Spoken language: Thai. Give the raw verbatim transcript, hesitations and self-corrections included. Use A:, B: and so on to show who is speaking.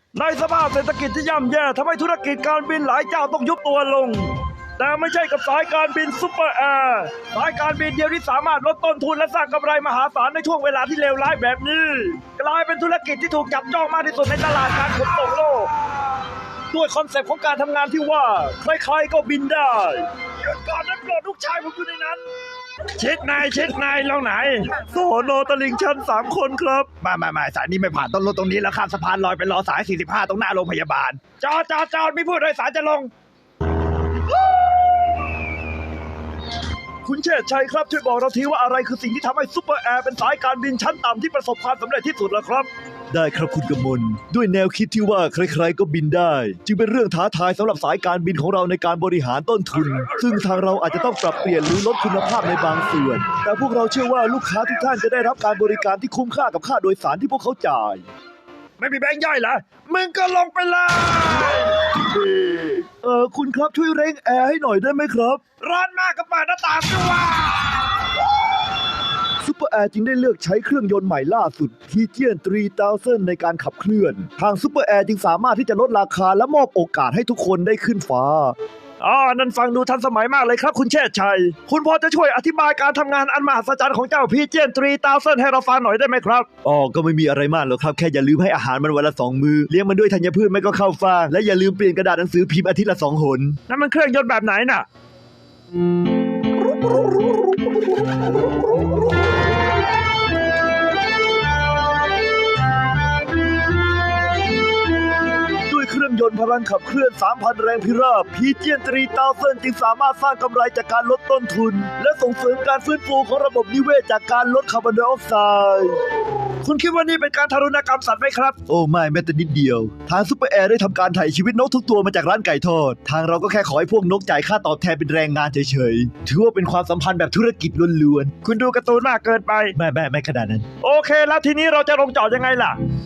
A: ในสภาพเศรษฐกิจที่ย่ำแย่ทำให้ธุรกิจการบินหลายเจ้าต้องยุบตัวลง แต่ไม่ใช่กับสายการบินซุปเปอร์แอร์สายการบินเดียวที่สามารถลดต้นทุนและสร้างกำไรมหาศาลในช่วงเวลาที่เลวร้ายแบบนี้กลายเป็นธุรกิจที่ถูกจับจ้องมากที่สุดในตลาดการขนส่งโลกด้วยคอนเซปต์ของการทำงานที่ว่าใครๆก็บินได้หยุดก่อนนะโปรดลูกชายผมอยู่ในนั้นเช็ดนายเช็ดนายเราไหนโซโนตลิงชันสามคนครับมามามาสายนี้ไม่ผ่านต้องลดตรงนี้แล้วข้ามสะพานลอยไปรอสายสี่สิบห้าตรงหน้าโรงพยาบาลจอดจอดจอดมีผู้โดยสารจะลงคุณเชษชัยครับช่วยบอกเราทีว่าอะไรคือสิ่งที่ทำให้ซุปเปอร์แอร์เป็นสายการบินชั้นต่ำที่ประสบความสำเร็จที่สุดล่ะครับได้ครับคุณกมลด้วยแนวคิดที่ว่าใครๆก็บินได้จึงเป็นเรื่องท้าทายสำหรับสายการบินของเราในการบริหารต้นทุนซึ่งทางเราอาจจะต้องปรับเปลี่ยนหรือลดคุณภาพในบางส่วนแต่พวกเราเชื่อว่าลูกค้าทุกท่านจะได้รับการบริการที่คุ้มค่ากับค่าโดยสารที่พวกเขาจ่ายไม่มีแบงค์ย่อยเหรอมึงก็ลงไปเลยเออคุณครับช่วยเร่งแอร์ให้หน่อยได้ไหมครับร้อนมากก็เปิดหน้าต่างด้วยซุปเปอร์แอร์จึงได้เลือกใช้เครื่องยนต์ใหม่ล่าสุด พี จี สามพัน ในการขับเคลื่อนทางซุปเปอร์แอร์จึงสามารถที่จะลดราคาและมอบโอกาสให้ทุกคนได้ขึ้นฟ้าอ๋อนั่นฟังดูทันสมัยมากเลยครับคุณเชษชัยคุณพอจะช่วยอธิบายการทำงานอันมหัศจรรย์ของเจ้า พี จี สามพัน ให้เราฟังหน่อยได้ไหมครับอ๋อก็ไม่มีอะไรมากหรอกครับแค่อย่าลืมให้อาหารมันวันละสองมื้อเลี้ยงมันด้วยธัญพืชไม่ก็ข้าวฟ่างและอย่าลืมเปลี่ยนกระดาษหนังสือพิมพ์อาทิตย์ละสองหนนั่นมันเครื่องยนต์แบบไหนน่ะเครื่องยนต์พลังขับเคลื่อน สามพัน แรงพิราบ พี จี สามพัน จึงสามารถสร้างกำไรจากการลดต้นทุนและส่งเสริมการฟื้นฟูของระบบนิเวศจากการลดคาร์บอนไดออกไซด์คุณคิดว่านี่เป็นการทารุณกรรมสัตว์ไหมครับโอ้ไม่แม้แต่นิดเดียวทางซุปเปอร์แอร์ได้ทำการถ่ายชีวิตนกทุกตัวมาจากร้านไก่ทอดทางเราก็แค่ขอให้พวกนกจ่ายค่าตอบแทนเป็นแรงงานเฉยๆถือว่าเป็นความสัมพันธ์แบบธุรกิจล้วนๆคุณดูการ์ตูนมากเกินไปไม่ไม่ไม่ขนาดนั้นโอเคแล้วทีนี้เราจะลงจอดยังไงล่ะ